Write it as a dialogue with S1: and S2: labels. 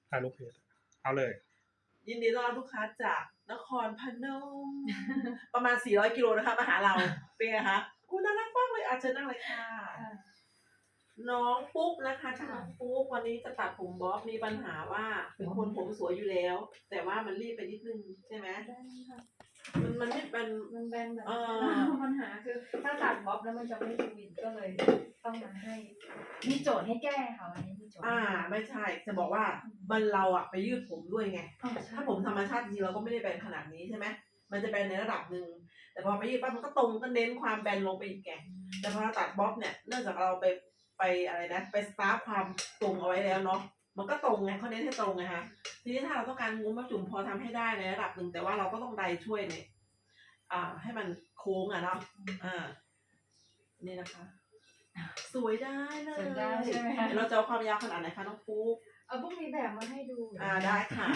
S1: ถ่ายรูปเพจเอาเลย
S2: ยินดีต้อนรับลูกค้าจากนครพนม ประมาณ400กิโลนะคะมาหาเราเป็นไงคะคุณน่ารักมากเลยเชิญนั่งเลยค่ะ น้องปุ๊กนะคะชื่อน้องปุ๊กวันนี้จะตัดผมบ๊อบมีปัญหาว่าเป็นคนผมสวยอยู่แล้ว แต่ว่ามันรีบไปนิดนึงใช่ไหม
S3: ได้ค่ะ
S2: มันไม่เป็น
S3: มันแบนแบบ
S2: เ
S3: ปัญหาคือถ้าตัดบ๊อบแล้วมันจะไม่สวินก็เลยต้องมาให้ มีโจทย์ให้แก้ค่ะวันนี้มีโจทย์
S2: ไม่ใช่จะบอกว่ามันเราอะไปยืดผมด้วยไง ถ้าผมธรรมชาติจริงเราก็ไม่ได้แบนขนาดนี้ใช่ไหมมันจะแบนในระดับหนึ่งแต่พอไปยืดปั๊บมันก็ตรงก็เน้นความแบนลงไปอีกแกแต่พอเราตัดบ๊อบเนี่ยเนื่องจากเราไปอะไรนะไปสตาร์ฟความตรงเอาไว้แล้วเนาะมันก็ตรงไงเขาเน้นให้ตรงไงฮะทีนี้ถ้าเราต้องการงุ้มมาจุ่มพอทำให้ได้ในระดับหนึ่งแต่ว่าเราก็ต้องไดช่วยเนี่ยให้มันโค้งอ่ะเนาะนี่นะคะ สวยได้เลย
S3: สวยได้ใช่ไหมคะ
S2: เราจะเอาความยาวขนาดไหนคะน้องปุ๊ก
S3: เอาพวกมีแบบมาให้ดู
S2: ได้ค่ะ